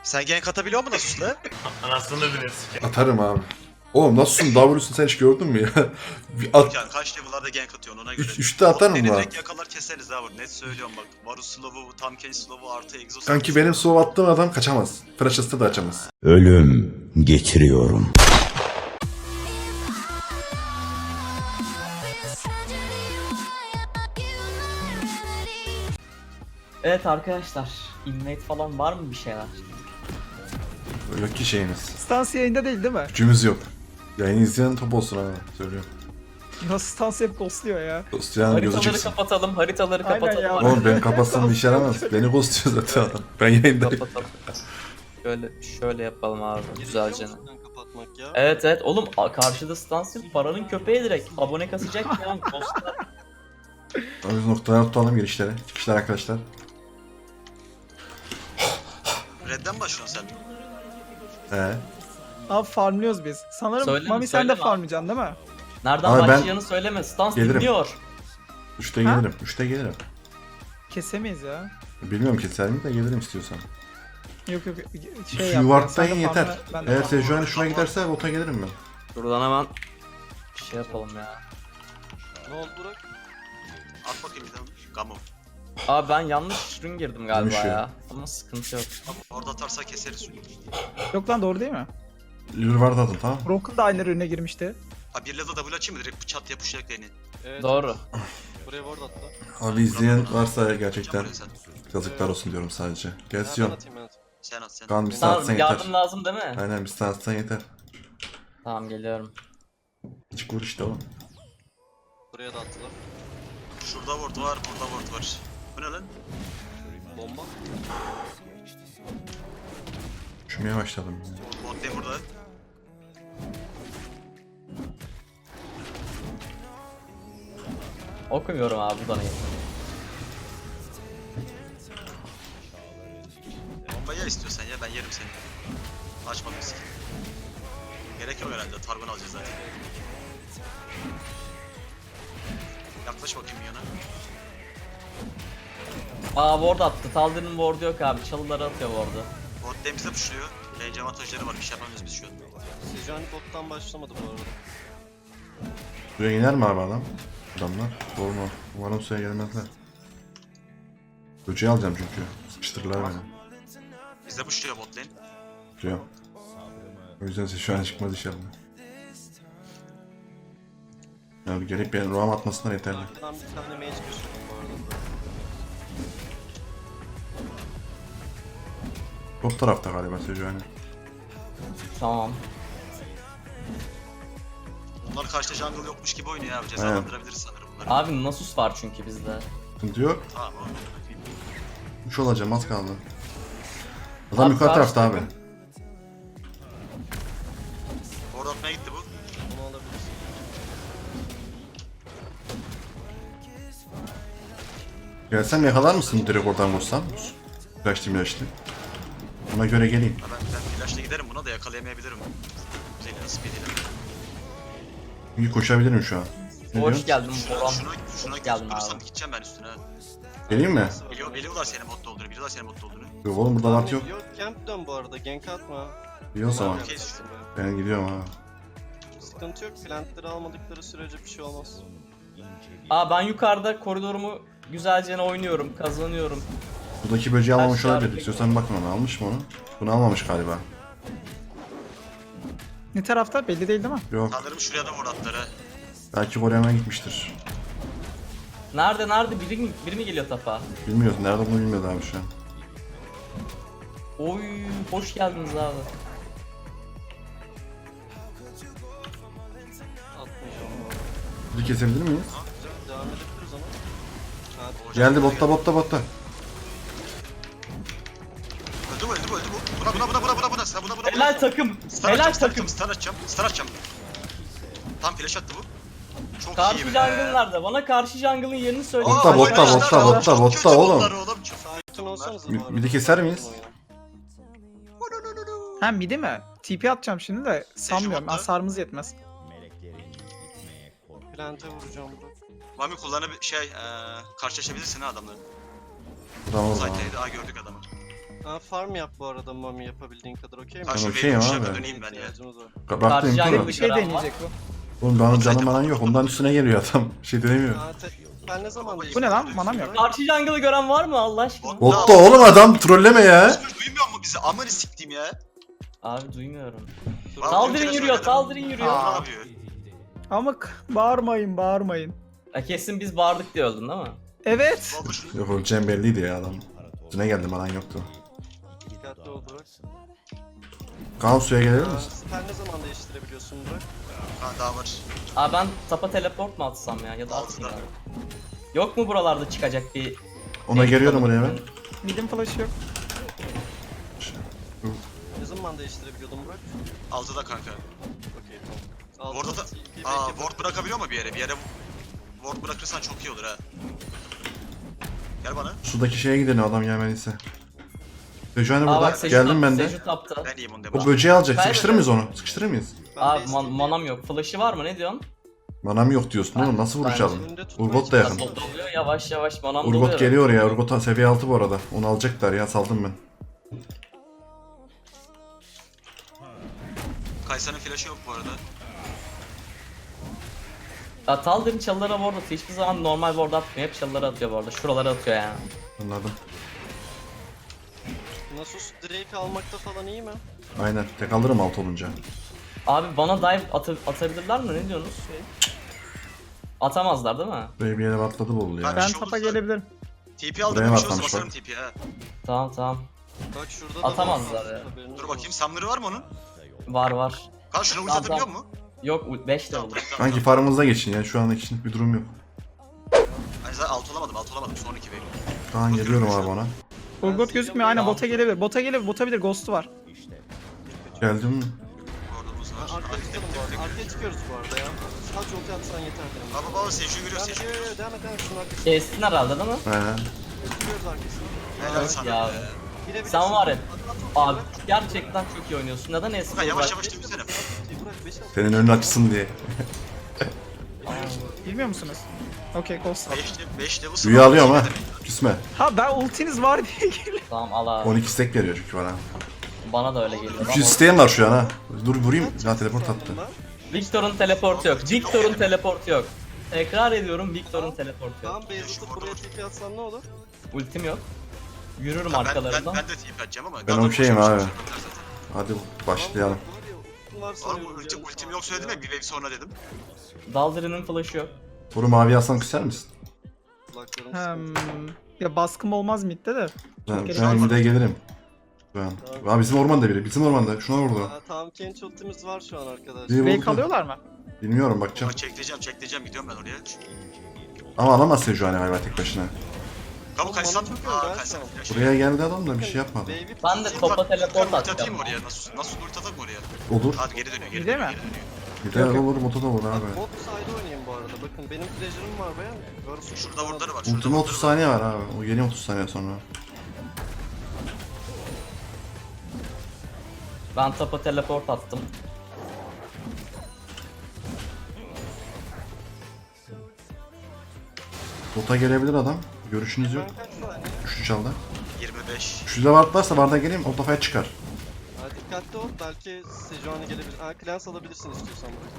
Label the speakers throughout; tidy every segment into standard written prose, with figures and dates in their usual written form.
Speaker 1: Sen gank atabiliyor musun Nasus'la?
Speaker 2: Anasını bilirsin.
Speaker 3: Atarım abi. Oğlum nasılsın? W'sun sen hiç gördün mü ya? Bir at.
Speaker 1: Yani kaç level'larda gank atıyorsun ona göre.
Speaker 3: Üçte atarım
Speaker 1: Beni
Speaker 3: mı?
Speaker 1: direkt yakalar keseriz ha bu. Net söylüyorum bak. Varus slow'u, Tam Case slow'u artı egzoz.
Speaker 3: Kanki benim slow attığım adam kaçamaz. Freshest'ı da açamaz.
Speaker 4: Ölüm getiriyorum.
Speaker 5: Evet arkadaşlar, invade falan var mı bir şeyler?
Speaker 3: Yok ki şeyimiz.
Speaker 6: Stans yayında değil mi?
Speaker 3: Gücümüz yok. Yayını izleyen top olsun abi. Söylüyorum.
Speaker 6: Ya Stans hep ghostluyor ya.
Speaker 3: Dostayan gözü
Speaker 5: Haritaları
Speaker 3: çıksın.
Speaker 5: kapatalım, haritaları
Speaker 6: Aynen
Speaker 5: kapatalım.
Speaker 6: ya.
Speaker 3: Oğlum ben kapatsam bir işe yaramaz. Beni ghostluyor zaten adam. Ben yayındayım.
Speaker 5: Kapatalım. Şöyle yapalım abi, güzelce.
Speaker 1: kapatmak ya.
Speaker 5: Evet, oğlum karşıda stans yok, paranın köpeği direkt. Abone kasacak yani, dostlar.
Speaker 3: O yüzden noktalar tutalım girişlere. Çıkışlar arkadaşlar.
Speaker 1: Red'den başlıyorsun sen.
Speaker 6: Abi farmlıyoruz biz. Sanırım
Speaker 5: Söyleme,
Speaker 6: Mami sen de
Speaker 5: söyleme.
Speaker 6: farmlayacaksın değil mi?
Speaker 5: Nereden
Speaker 3: Abi ben-
Speaker 5: başlayacağını söyleme, stans
Speaker 3: Gelirim.
Speaker 5: dinliyor.
Speaker 3: 3'te
Speaker 6: Ha?
Speaker 3: gelirim. 3'te gelirim.
Speaker 6: Kesemeyiz ya.
Speaker 3: Bilmiyorum keser mi de gelirim istiyorsan.
Speaker 6: Yok
Speaker 3: Şu
Speaker 6: şey yap.
Speaker 3: yuvartlayın
Speaker 6: sen de
Speaker 3: yeter.
Speaker 6: farmla, ben de
Speaker 3: Eğer
Speaker 6: farmla.
Speaker 3: Sejuani şuna giderse bota gelirim ben.
Speaker 5: Buradan hemen şey yapalım ya.
Speaker 1: Ne oldu Burak? At bakayım bir tane. Gamo.
Speaker 5: Abi ben yanlış rün girdim galiba
Speaker 3: Dönüşüyor.
Speaker 5: ya. Ama sıkıntı yok.
Speaker 1: Orada atarsa keseriz.
Speaker 6: Yok lan doğru değil mi?
Speaker 3: Lür vardı adım tamam.
Speaker 6: Broken da aynı ürüne girmişti.
Speaker 1: Ha bir level double açayım mı? Direkt çat yapışacak beni.
Speaker 5: Doğru.
Speaker 1: Buraya ward atla.
Speaker 3: Abi izleyen varsa gerçekten
Speaker 1: Buraya sen.
Speaker 3: yazıklar olsun diyorum sadece. Gelsiyon.
Speaker 1: Sen at sen.
Speaker 3: Kaan bir
Speaker 5: Tamam,
Speaker 3: saatsen
Speaker 5: yardım
Speaker 3: yeter.
Speaker 5: lazım değil mi?
Speaker 3: Aynen bir saatsen yeter.
Speaker 5: Tamam, geliyorum.
Speaker 3: Hiç vur işte oğlum.
Speaker 1: Buraya da attılar. Şurada ward var, burada ward var. Bu ne lan? Bomba.
Speaker 3: Üşümeye başladım.
Speaker 1: Bot lane burada.
Speaker 5: Okumuyorum abi, bu da neyse.
Speaker 1: Bombayı ya istiyorsan ya ben yerim seni. Açmadım skin. Gerek yok herhalde. Targon alacağız zaten. Yaklaş bakayım yana.
Speaker 5: Aa, ward attı. Taldir'in ward'u yok abi. Çalıları atıyor ward'u.
Speaker 1: Bot lane bize pushluyor. Lane avantajları var. Bir şey yapamıyoruz biz şu an.
Speaker 7: Sejuani bottan başlamadı bu arada.
Speaker 3: Suya iner mi abi adam? Adamlar. Doğru mu? Umarım suya gelmezler. Böceği alacağım çünkü. Sıkıştırırlar beni.
Speaker 1: Bize pushluyor bot lane.
Speaker 3: Suya. O yüzden size şu an çıkmaz inşallah. Ya gelip benim roam atmasınlar yeterli.
Speaker 7: Arkadan bir tane mage düşürdüm bu arada.
Speaker 3: Top tarafta galiba Sejuani.
Speaker 5: Tamam.
Speaker 1: Bunlar karşıda jungle yokmuş gibi oynuyor abi. Cezalandırabiliriz sanırım bunları.
Speaker 5: Abi Nasus var çünkü bizde.
Speaker 3: Sıkıntı yok.
Speaker 1: Tamam abi.
Speaker 3: 3 olacağım az kaldı. Adam
Speaker 5: Abi
Speaker 3: yukarı
Speaker 5: karşı
Speaker 3: tarafta abi.
Speaker 5: takım-
Speaker 1: Ward atmaya gitti bu.
Speaker 7: Bunu alabilirsin.
Speaker 3: Gelsem yakalar mısın direkt oradan vursam? Flaşlı milaşlı. Ona göre geleyim.
Speaker 1: Ha ben flash'la giderim buna da yakalayamayabilirim. Senin speed'iyle.
Speaker 3: İyi koşabilirim şu an. Ne
Speaker 5: Hoş
Speaker 3: diyorsun?
Speaker 5: geldin Boran.
Speaker 1: Şuna
Speaker 5: geldin
Speaker 1: tutturursam
Speaker 5: abi.
Speaker 1: gideceğim ben üstüne.
Speaker 3: Geleyim mi?
Speaker 1: Biliyorlar senin botta olduğunu. Biliyorlar senin botta olduğunu.
Speaker 3: Yok oğlum burada vart yok.
Speaker 7: Yok camp dön bu arada, gank atma.
Speaker 3: İyi o zaman.
Speaker 1: Okey.
Speaker 3: Ben gidiyorum ha.
Speaker 7: Sıkıntı yok, plantları almadıkları sürece bir şey olmaz.
Speaker 5: Aa, ben yukarıda koridorumu güzelce oynuyorum, kazanıyorum.
Speaker 3: Buradaki böceği almamış
Speaker 5: Aşağı
Speaker 3: olabilir.
Speaker 5: bir-
Speaker 3: İstiyorsan bakma ona. Almış mı onu? Bunu almamış galiba.
Speaker 6: Ne tarafta belli değil değil mi?
Speaker 3: Yok.
Speaker 1: Sanırım şuraya da ward attılar ha.
Speaker 3: Belki Kore'ye gitmiştir.
Speaker 5: Nerede? Biri mi geliyor tapa?
Speaker 3: Bilmiyoruz. Nerede bunu bilmiyordu abi şu an.
Speaker 5: Oy, hoş geldiniz abi.
Speaker 7: Atmayacağım.
Speaker 3: Bizi kesebilir miyiz?
Speaker 7: Güzel, devam edebiliriz ama. Ha,
Speaker 3: Geldi botta.
Speaker 1: Öldü bu. Buna. Sen buna.
Speaker 5: Helal takım.
Speaker 1: Stun
Speaker 5: Helal
Speaker 1: atacağım,
Speaker 5: takım.
Speaker 1: Stun atacağım. Tam flash attı bu. Çok
Speaker 5: Karşı
Speaker 1: iyi be.
Speaker 5: jungle nerede? Bana karşı jungle'ın yerini söyle.
Speaker 3: Botta,
Speaker 1: Aa,
Speaker 3: botta,
Speaker 1: arkadaşlar,
Speaker 3: botta,
Speaker 1: çok
Speaker 3: botta,
Speaker 1: kötü
Speaker 3: oğlum.
Speaker 1: bunlar oğlum. Çok
Speaker 7: Bütün olsanız
Speaker 3: Bir de keser miyiz?
Speaker 6: Ha midi mi? TP atacağım şimdi de sanmıyorum.
Speaker 1: botta.
Speaker 6: Hasarımız yetmez.
Speaker 7: Plante vuracağım bro.
Speaker 1: Mami kullanıp karşılaşabilirsin ha adamla.
Speaker 3: Tamam o zaman.
Speaker 1: Zaten daha gördük adamı.
Speaker 7: Farm yap bu arada Mami yapabildiğin kadar okey mi?
Speaker 1: Ha şu
Speaker 3: okeyim
Speaker 1: wave'i
Speaker 3: abi.
Speaker 1: kuşlarına döneyim ben ya.
Speaker 7: İhtiyacımız var.
Speaker 3: Bıraktım
Speaker 5: Karşı
Speaker 3: imkanı.
Speaker 5: jungle
Speaker 6: Bir şey
Speaker 5: Gören var.
Speaker 6: deneyecek bu.
Speaker 3: Oğlum benim canım anan yok. Ondan üstüne geliyor adam. Bir şey denemiyor.
Speaker 7: Ben ne zaman
Speaker 6: Bu ne lan? Manam yok.
Speaker 5: Karşı jungle'ı gören var mı Allah aşkına?
Speaker 3: Botta oğlum adam trolleme ya.
Speaker 1: Duymuyor mu bizi? Amanı siktiğim ya.
Speaker 5: Abi duymuyorum.
Speaker 1: Abi,
Speaker 5: Saldırın
Speaker 1: bir kere
Speaker 5: yürüyor,
Speaker 1: söyledim.
Speaker 5: saldırın yürüyor.
Speaker 1: Ne yapıyor?
Speaker 6: Ama bağırmayın bağırmayın.
Speaker 5: Ya kesin biz bağırdık diye öldün değil mi?
Speaker 6: Evet.
Speaker 1: Olmuş.
Speaker 3: Yok öleceğim belliydi ya adam. Üstüne geldim anan yoktu.
Speaker 7: Dikkatli ol Burak.
Speaker 3: Kaan suya gelir misin?
Speaker 7: Spell ne zaman değiştirebiliyorsun Burak?
Speaker 1: Ha daha var.
Speaker 5: Abi ben tapa teleport mu atsam ya da atayım
Speaker 1: Altıda.
Speaker 5: abi. Yok mu buralarda çıkacak bir...
Speaker 3: Ona geliyorum oraya ben.
Speaker 6: Mid'in flash'ı yok.
Speaker 7: Ne zaman değiştirebiliyordun Burak?
Speaker 1: 6'da kanka.
Speaker 7: Okey tamam.
Speaker 1: Ward'a da... Aa ward bırakabiliyor mu bir yere? Bir yere ward bırakırsan çok iyi olur ha. Gel bana.
Speaker 3: Sudaki şeye gidelim adam gelmediyse. Sejuani
Speaker 5: Aa
Speaker 3: burada.
Speaker 5: bak Seju
Speaker 3: Geldim
Speaker 5: tapta,
Speaker 3: ben de.
Speaker 5: Seju tapta.
Speaker 1: Ben iyiyim onu
Speaker 3: O
Speaker 1: demiş.
Speaker 3: böceği alacak.
Speaker 5: Ben de-
Speaker 3: Sıkıştırır mıyız onu? Sıkıştırır mıyız?
Speaker 5: Abi manam yok. Flash'ı var mı ne diyorsun?
Speaker 3: Manam yok diyorsun oğlum. Nasıl vuracağım?
Speaker 7: önünde tutmaya
Speaker 3: Urgot da yakın.
Speaker 5: Nasıl doluyor yavaş yavaş manam doluyor.
Speaker 3: Urgot geliyor ya. Urgot seviye 6 bu arada. Onu alacaklar ya. Saldım ben.
Speaker 1: Kaysa'nın flash'ı yok bu arada.
Speaker 5: Ya Taldir'in çalılara ward atıyor. Hiçbir zaman normal ward atmıyor. Hep çalılara atıyor bu arada. Şuralara atıyor yani.
Speaker 3: Anladım.
Speaker 7: Nasus Drake almakta falan iyi mi?
Speaker 3: Aynen. Tek alırım 6 olunca.
Speaker 5: Abi bana dive atabilirler mi? Ne diyorsunuz? Atamazlar değil mi?
Speaker 3: Böyle bir yere atladı bol ya.
Speaker 1: Ben-
Speaker 6: Ben
Speaker 1: şey
Speaker 6: tapa
Speaker 1: olursa-
Speaker 6: gelebilirim.
Speaker 1: TP aldım.
Speaker 3: Buraya
Speaker 1: Bir
Speaker 3: mı
Speaker 1: şey olursa
Speaker 3: atlamış
Speaker 1: basarım
Speaker 3: bak?
Speaker 1: TP'ye ha.
Speaker 5: Tamam.
Speaker 7: Bak şurada da
Speaker 5: Atamazlar
Speaker 7: var.
Speaker 5: ya.
Speaker 7: Haberiniz
Speaker 1: Dur
Speaker 7: olsun.
Speaker 1: bakayım Sumner'ı var mı onun?
Speaker 5: Var.
Speaker 1: Kan şuna ulti
Speaker 5: Tamam,
Speaker 1: atabiliyor
Speaker 5: tamam.
Speaker 1: mu?
Speaker 5: Yok 5 de
Speaker 1: Tamam
Speaker 5: olur.
Speaker 1: tamam.
Speaker 3: Sanki farmımıza geçin ya. Şu an için bir durum yok.
Speaker 1: Hani zaten alt olamadım. Son 2 wave.
Speaker 3: Kaan geliyorum abi ona.
Speaker 6: Urgot gözükmüyor. Aynen bota gelebilir. Bota gelebilir. Bota bilir. Ghost'u var.
Speaker 3: Geldim mi?
Speaker 1: Ward'umuz var.
Speaker 7: Arkaya çıkalım bu arada. Arkaya çıkıyoruz bu arada ya. Sadece ulti atsan yeter benim.
Speaker 1: Baba Seju'yu görüyor
Speaker 7: Devam et,
Speaker 1: Seju'yu görüyor.
Speaker 7: devam et. Şunun arkasına
Speaker 5: Kestin herhalde değil mi?
Speaker 3: Aynen.
Speaker 7: çıkıyoruz arkasına.
Speaker 1: Helal sana.
Speaker 5: Ya.
Speaker 7: Girebilirsin.
Speaker 5: Sen var ya.
Speaker 7: At ultiyi
Speaker 5: Abi
Speaker 7: Burak.
Speaker 5: gerçekten çok iyi oynuyorsun. Neden
Speaker 1: Furkan
Speaker 5: eski
Speaker 1: yavaş
Speaker 5: olarak?
Speaker 1: yavaş dövsene.
Speaker 7: At ultiyi Burak, beş at.
Speaker 3: Senin önün açsın diye.
Speaker 6: Bilmiyor musunuz? Okey Ghost var.
Speaker 1: 5 level
Speaker 3: Büyü alıyorum ha. Küsme.
Speaker 6: Ha ben ultiniz var diye geliyorum.
Speaker 5: Tamam al abi.
Speaker 3: 12 stack veriyor çünkü bana.
Speaker 5: Bana da öyle geliyor.
Speaker 3: 300 isteyen var şu an ha. Dur vurayım. Ya teleport attı.
Speaker 5: Victor'un teleportu yok. Victor'un teleportu yok. Tekrar ediyorum Victor'un teleportu
Speaker 7: Tamam
Speaker 5: yok.
Speaker 7: base atıp buraya TP atsan ne olur?
Speaker 5: Ultim yok. Yürürüm
Speaker 1: Ben
Speaker 5: arkalarından.
Speaker 1: de TP atacağım ama.
Speaker 3: Ben
Speaker 1: Gandalf
Speaker 3: okeyim
Speaker 1: boşuna
Speaker 3: abi.
Speaker 1: boşuna atar zaten.
Speaker 3: Hadi başlayalım.
Speaker 7: Var
Speaker 1: Oğlum
Speaker 7: sanıyorum.
Speaker 1: ultim yok söyledim ya bir wave sonra dedim.
Speaker 5: Daldırı'nın flash'ı yok.
Speaker 3: Vuru mavi alsam küser misin?
Speaker 6: Hmm. Ya baskım olmaz midde de.
Speaker 3: Ben bir de gelirim. Şu an. Aa bizim ormanda biri. Bizim ormanda. Şuna vurdu.
Speaker 7: Tamam Kench ultimiz var şu an arkadaşlar.
Speaker 3: Bir
Speaker 6: Break
Speaker 3: vurdu.
Speaker 6: alıyorlar mı?
Speaker 3: Bilmiyorum bakacağım.
Speaker 1: Ama çekleyeceğim gidiyorum ben oraya.
Speaker 3: Ama alamaz Sejuani galiba tek başına.
Speaker 1: Kabuk Kaysan.
Speaker 7: Bana çok
Speaker 1: Aa
Speaker 7: öyle
Speaker 1: Kaysan
Speaker 7: Ersan.
Speaker 1: flash.
Speaker 3: Buraya geldi adam da bir şey yapmadı.
Speaker 7: Wave'i
Speaker 5: Ben de
Speaker 7: tutayım.
Speaker 5: topa teleport
Speaker 1: Ulti atayım
Speaker 5: atacağım.
Speaker 1: mı oraya? Nasıl ulti atak mı oraya?
Speaker 3: Olur.
Speaker 1: Hadi geri dönüyor geri
Speaker 6: Bir de
Speaker 1: dönüyor.
Speaker 6: mi?
Speaker 1: Geri dönüyor.
Speaker 3: Bir de olur bota da olur abi.
Speaker 7: Bot side oynayayım bu arada. Bakın benim pleasure'ım var bayan. Varsa
Speaker 1: Şurada wardları var. Şurada
Speaker 3: Ultima 30
Speaker 1: wardları var.
Speaker 3: saniye var abi. O yeni 30 saniye sonra.
Speaker 5: Ben topa teleport attım.
Speaker 3: Bota gelebilir adam. Görüşünüz yok.
Speaker 7: Ben kaç saniye?
Speaker 3: Üçlü çaldı.
Speaker 1: 25.
Speaker 3: Üçlüde ward varsa ward'a geleyim. O kafaya çıkar.
Speaker 7: Ha, dikkatli ol. Belki Sejuani gelebilir. Ha Clans alabilirsin istiyorsan bırak.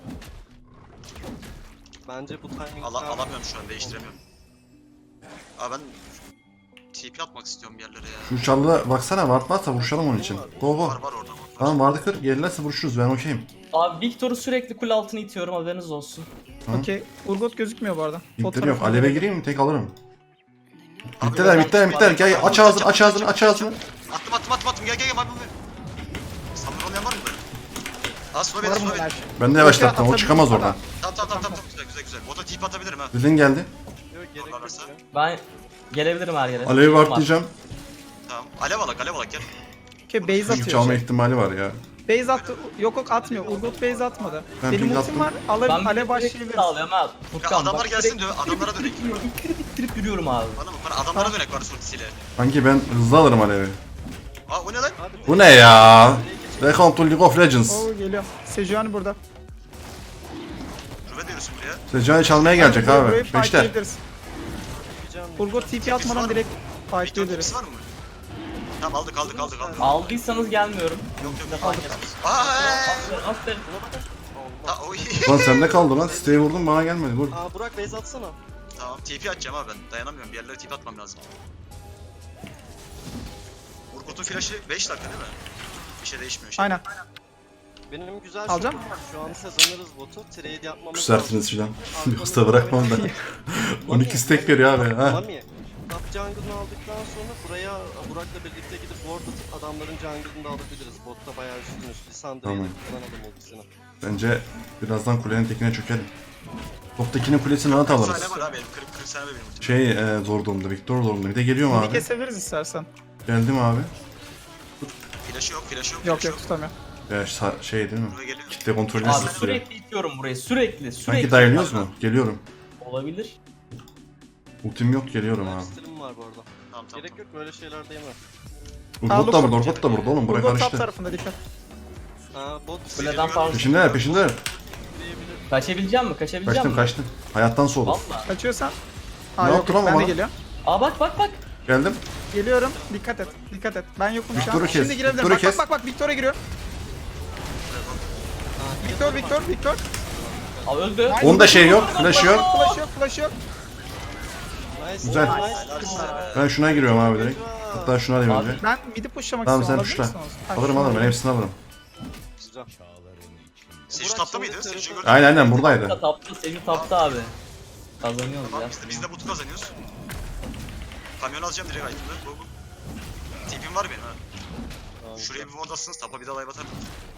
Speaker 7: Bence bu timing...
Speaker 1: Alamıyorum şu an değiştiremiyorum. Aa ben TP atmak istiyorum bir yerlere ya.
Speaker 3: Şu çalıda baksana ward varsa vuruşalım onun için. Go go.
Speaker 1: Var orada var.
Speaker 3: Tamam ward'ı kır. Gelirlerse vuruşuruz. Ben okeyim.
Speaker 5: Abi Victor'u sürekli kule altına itiyorum haberiniz olsun.
Speaker 6: Okey. Urgot gözükmüyor bu arada. Bot
Speaker 3: İnteri yok.
Speaker 6: tarafına
Speaker 3: Aleve
Speaker 6: doğru.
Speaker 3: gireyim mi? Tek alırım.
Speaker 1: Abi,
Speaker 3: Bittiler bittiler bittiler. Gel aç ağzını aç ağzını aç ağzını.
Speaker 1: Attım gel gel. Samur olmayan var mı böyle? Aa slow
Speaker 6: Var
Speaker 1: beni
Speaker 6: mı
Speaker 1: slow
Speaker 6: her
Speaker 1: beni.
Speaker 6: şey?
Speaker 3: Ben de yavaşlattım. O çıkamaz oradan.
Speaker 1: Tamam güzel. Bota TP atabilirim ha.
Speaker 3: Zilin geldi.
Speaker 7: Yok gerek yok
Speaker 1: Varlarsa.
Speaker 7: ya.
Speaker 5: Ben gelebilirim her yere.
Speaker 3: Alevi
Speaker 5: Var.
Speaker 3: wardlayacağım.
Speaker 1: Tamam. Alev alak gel.
Speaker 6: Okey base
Speaker 3: Çünkü
Speaker 6: atıyor.
Speaker 3: çalma
Speaker 6: Şey.
Speaker 3: ihtimali var ya.
Speaker 6: Base attı. Yok atmıyor. Urgot base atmadı.
Speaker 3: Ben
Speaker 6: Benim
Speaker 3: ping
Speaker 6: ultim
Speaker 3: attım.
Speaker 6: var.
Speaker 5: Ben
Speaker 6: Ale
Speaker 5: bir
Speaker 6: başlayabiliriz.
Speaker 5: sağlıyorum ha.
Speaker 1: Ya
Speaker 5: Furkan
Speaker 1: adamlar
Speaker 5: bak,
Speaker 1: gelsin
Speaker 5: direkt
Speaker 1: diyor. Adamlara dönek.
Speaker 5: ittirip yürüyorum abi.
Speaker 1: Bana adamlara dönek var ultisiyle.
Speaker 3: Sanki ben hızlı alırım Alevi.
Speaker 1: Aa o ne lan?
Speaker 7: Hadi
Speaker 3: Bu ne ya? Welcome to League of Legends.
Speaker 6: Oo geliyor. Sejuani burada.
Speaker 1: Rüve diyorsun buraya.
Speaker 3: Sejuani çalmaya gelecek
Speaker 6: Burayı
Speaker 3: abi. Beşler.
Speaker 6: fightlayabiliriz.
Speaker 7: yapacağım.
Speaker 6: Urgot TP atmadan direkt
Speaker 1: Victor
Speaker 6: fightlayabiliriz.
Speaker 1: tipsi var mı? Tamam aldık.
Speaker 5: Aldıysanız gelmiyorum.
Speaker 1: Yok.
Speaker 5: Aldık.
Speaker 1: Aaa.
Speaker 5: Aferin.
Speaker 1: Ha oy.
Speaker 3: Lan sende kaldı lan. Siteye vurdum bana gelmedi. Vur.
Speaker 7: Aa Burak base atsana.
Speaker 1: Tamam TP atacağım abi ben. Dayanamıyorum. Bir yerlere TP atmam lazım. Urgot'un flash'ı 5 dakika değil mi? Bir şey değişmiyor.
Speaker 6: Aynen.
Speaker 7: Benim güzel
Speaker 6: Alacağım.
Speaker 7: şokum var. Şu an kazanırız botu. Trade yapmamız
Speaker 3: Küsersiniz filan. Yoksa bırakmam da. 12 stack veriyor abi. Ha.
Speaker 7: Mami. Top jungle'ını aldıktan sonra buraya Burak'la birlikte gidip ward atıp adamların jungle'ını da alabiliriz. Botta bayağı üstünüz. Lissandra'yı
Speaker 3: Tamam.
Speaker 7: da kullanalım ultisini.
Speaker 3: Bence birazdan kulenin tekine çökelim. Toptakinin kulesini rahat
Speaker 1: 40
Speaker 3: alırız.
Speaker 1: saniye var abi benim. 40 saniye benim ultim.
Speaker 3: Zor durumda. Victor durumda. Bir de geliyorum
Speaker 6: Midi
Speaker 3: abi.
Speaker 6: kesebiliriz istersen.
Speaker 3: Geldim abi.
Speaker 1: Flash'ı yok.
Speaker 6: Yok yok tutamıyor.
Speaker 3: Ya şey değil mi?
Speaker 1: Buraya geliyor.
Speaker 3: Kitle kontrolünü
Speaker 5: Abi
Speaker 3: tutuyor.
Speaker 5: sürekli itiyorum burayı. Sürekli.
Speaker 3: Sanki dayanıyoruz mu? Geliyorum.
Speaker 5: Olabilir.
Speaker 3: Ultim yok, geliyorum abi.
Speaker 7: Stilim var bu arada.
Speaker 1: Tamam.
Speaker 7: Gerek yok böyle şeylerde yeme.
Speaker 3: Urgot da burada, Urgot da burada oğlum. Buraya
Speaker 6: Urgot top
Speaker 3: karıştı.
Speaker 6: tarafında dikkat.
Speaker 7: Aa bot
Speaker 5: Kuleden falan.
Speaker 3: Peşindeler.
Speaker 7: diyebilir.
Speaker 5: Kaçabileceğim mi?
Speaker 3: Kaçtım. Hayattan soğudum.
Speaker 5: Valla.
Speaker 6: Kaçıyorsan.
Speaker 3: Ne
Speaker 6: Aa yok
Speaker 3: yaptın
Speaker 6: yok
Speaker 3: ama
Speaker 6: ben de
Speaker 3: bana?
Speaker 6: geliyorum.
Speaker 5: Aa bak.
Speaker 3: Geldim.
Speaker 6: Geliyorum. Dikkat et. Ben yokum şu
Speaker 3: Victor'u
Speaker 6: an.
Speaker 3: kes,
Speaker 6: Şimdi girebilirim.
Speaker 3: Victor'u kes.
Speaker 6: Bak Victor'a giriyor. Victor.
Speaker 5: Aa öldü.
Speaker 3: Onda şey yok, flash yok.
Speaker 6: Flash yok.
Speaker 7: Nice.
Speaker 3: Güzel.
Speaker 7: Nice.
Speaker 3: Ben şuna giriyorum abi direkt. Hatta şunu alayım önce.
Speaker 6: Ben midi pushlamak
Speaker 3: Tamam
Speaker 6: istiyorum.
Speaker 3: sen
Speaker 6: alabilir
Speaker 3: tuşla.
Speaker 6: misiniz? Ha,
Speaker 3: Alırım
Speaker 6: şunu
Speaker 3: ben hepsini alırım.
Speaker 7: Güzel.
Speaker 1: Seju tapta mıydı? Seju'yu gördüm.
Speaker 3: Aynen buradaydı.
Speaker 5: Tapta. Sevi tapta abi. Kazanıyoruz
Speaker 1: Tamam
Speaker 5: ya.
Speaker 1: biz de botu kazanıyoruz. Kamyon alacağım direkt item'da. Go. TP'm var benim ha. Şuraya bir ward atsınız. Tapa bir de dive atarım.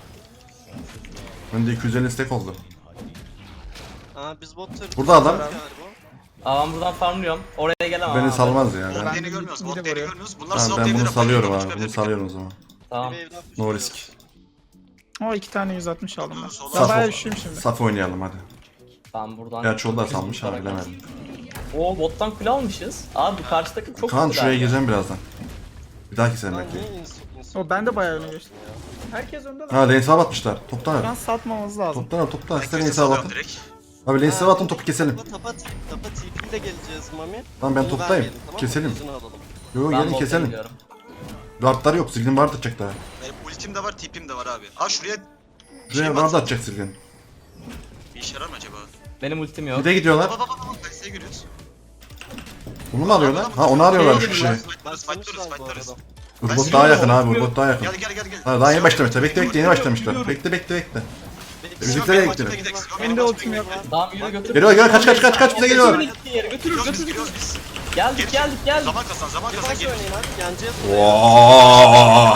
Speaker 3: Bende 250 stack oldu.
Speaker 7: Aa biz bot turret
Speaker 3: Burada adam.
Speaker 7: galiba.
Speaker 5: Aa ben buradan farmlıyorum. Oraya gelemem
Speaker 3: Beni
Speaker 5: abi.
Speaker 3: salmaz ya.
Speaker 1: Bot
Speaker 3: Ben,
Speaker 1: lane'i görmüyoruz. Bot
Speaker 6: midi
Speaker 1: lane'i
Speaker 6: vuruyor.
Speaker 1: görmüyoruz. Bunlar
Speaker 3: tamam,
Speaker 1: swap
Speaker 3: ben bunu
Speaker 1: lane'leri
Speaker 3: salıyorum
Speaker 1: yapıyor.
Speaker 3: abi. Bunu salıyorum o zaman.
Speaker 5: Tamam.
Speaker 7: Bir wave'den
Speaker 3: No
Speaker 7: pushluyoruz.
Speaker 3: risk.
Speaker 6: O 2 tane 160 aldım ben.
Speaker 1: Saf
Speaker 6: Ben bayağı
Speaker 3: ol.
Speaker 6: üşüyüm şimdi.
Speaker 3: Saf oynayalım hadi.
Speaker 5: Ben buradan.
Speaker 3: Gerçi o da
Speaker 5: Dokuz
Speaker 3: salmış ha
Speaker 5: tutarak
Speaker 3: bilemedim.
Speaker 5: Oo bottan kule almışız. Abi bu karşı takım çok
Speaker 3: Kaan
Speaker 5: güzel
Speaker 3: şuraya
Speaker 5: ya.
Speaker 3: gireceğim birazdan. Bir dahaki sene
Speaker 7: Lan
Speaker 3: belki.
Speaker 7: niye insult?
Speaker 6: O ben de bayağı öne geçtim. Herkes önde de.
Speaker 3: Ha lane swap atmışlar. Toptan
Speaker 6: Şu an
Speaker 3: al.
Speaker 6: satmamamız lazım.
Speaker 3: Toptan al toptan. İster lane
Speaker 1: Herkese
Speaker 3: swap
Speaker 1: salıyorum
Speaker 3: atın.
Speaker 1: direkt.
Speaker 3: Abi lane swap atın topu keselim.
Speaker 7: Tapa TP ile geleceğiz Mami.
Speaker 3: Tamam ben
Speaker 7: Bunu
Speaker 3: toptayım.
Speaker 7: vermeyelim, tamam mı?
Speaker 3: Keselim.
Speaker 7: Yüzünü alalım.
Speaker 3: Yo
Speaker 5: Ben
Speaker 3: gelin
Speaker 5: bottan
Speaker 3: keselim.
Speaker 5: gidiyorum.
Speaker 3: Wardlar yok. Zilgin ward atacak daha.
Speaker 1: Benim ultim de var, TP'm de var abi. Aa şuraya
Speaker 3: Şuraya
Speaker 1: şey
Speaker 3: ward
Speaker 1: var.
Speaker 3: atacak Zilgin.
Speaker 1: Bir işe yarar mı acaba?
Speaker 5: Benim ultim yok.
Speaker 3: Bir de gidiyorlar.
Speaker 1: Baba. Kayse'yi görüyoruz.
Speaker 3: Bunu mu arıyorlar? Ha onu arıyorlarmış bir şey.
Speaker 1: Fightlarız.
Speaker 3: Urgot daha yakın abi. Urgot daha yakın.
Speaker 1: Gel.
Speaker 3: Ha daha yeni başlamışlar. Bekle yeni başlamışlar. Bekle. Bizimkiler gitti.
Speaker 6: Benim de ultim yok.
Speaker 5: Tamam yürü götür.
Speaker 3: Geliyor kaç bize geliyor.
Speaker 5: Götürür. Geldik.
Speaker 1: Zaman kazan
Speaker 7: Yavaş
Speaker 1: gel.
Speaker 7: oynayın abi. Yeneceğiz.
Speaker 3: Wow.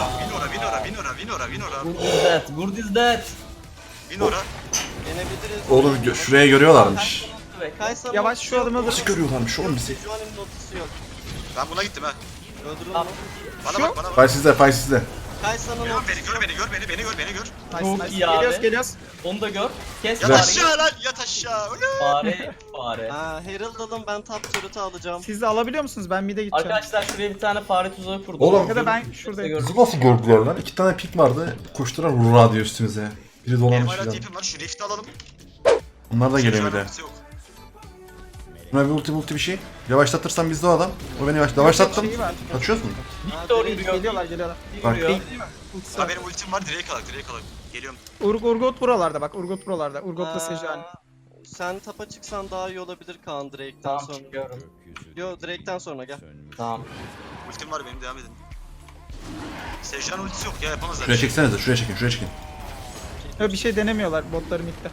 Speaker 1: Winora.
Speaker 5: Good is that.
Speaker 1: Winora.
Speaker 7: Yenebiliriz.
Speaker 3: Oğlum şuraya görüyorlarmış.
Speaker 7: Kaysa'nın
Speaker 6: Yavaş şu adımı dur.
Speaker 3: Nasıl görüyorlarmış oğlum bizi?
Speaker 7: Sejuani'nin ultisi yok.
Speaker 1: Ben buna gittim ha.
Speaker 7: Öldürün
Speaker 5: Tamam.
Speaker 7: onu.
Speaker 1: Bana bak.
Speaker 3: Fay sizde.
Speaker 7: Kaysa'nın
Speaker 1: Gör
Speaker 7: ultisi
Speaker 1: beni,
Speaker 7: yok.
Speaker 1: beni gör.
Speaker 5: Çok iyi abi.
Speaker 6: Geliyoruz.
Speaker 5: Onu da gör. Kes
Speaker 1: Yat
Speaker 5: fareyi.
Speaker 1: aşağı lan, yat aşağı. Öyle.
Speaker 5: Fare.
Speaker 7: Aa Herald alın ben top turret'ı alacağım.
Speaker 6: Siz de alabiliyor musunuz? Ben mid'e gideceğim.
Speaker 5: Arkadaşlar şuraya bir tane fare tuzağı kurdum.
Speaker 3: Oğlum.
Speaker 6: Ya da ben şuradayım.
Speaker 3: Bizi nasıl gördüler lan? 2 tane pik vardı. Koştular hurra diyor üstümüze. Biri
Speaker 1: Benim
Speaker 3: dolanmış
Speaker 1: hala
Speaker 3: filan.
Speaker 1: tipim var. Şu rift'i alalım.
Speaker 3: Onlar da geliyor bir de.
Speaker 1: Yok.
Speaker 3: Buna bir ulti bir şey. Yavaşlatırsam bizde o adam. O beni yavaşlattım.
Speaker 6: Şeyi var.
Speaker 3: Kaçıyoruz mu?
Speaker 5: Victor yürüyor.
Speaker 6: Geliyorlar.
Speaker 3: Bak.
Speaker 5: Yürüyor.
Speaker 6: Ultisi
Speaker 1: Ha
Speaker 6: var.
Speaker 1: benim ultim var. Direkt alak. Geliyorum.
Speaker 6: Urgot buralarda bak. Urgot buralarda. Urgot'la Sejuani.
Speaker 7: Sen tapa çıksan daha iyi olabilir Kaan Drake'den
Speaker 5: Tamam
Speaker 7: sonra.
Speaker 5: çıkıyorum.
Speaker 7: Yo Drake'den sonra gel.
Speaker 5: Tamam.
Speaker 1: Ultim var benim, devam edin. Sejuani ultisi yok ya, yapamazlar.
Speaker 3: Şuraya çeksenize. Şuraya çekin.
Speaker 6: Ya bir şey denemiyorlar botları mid'de.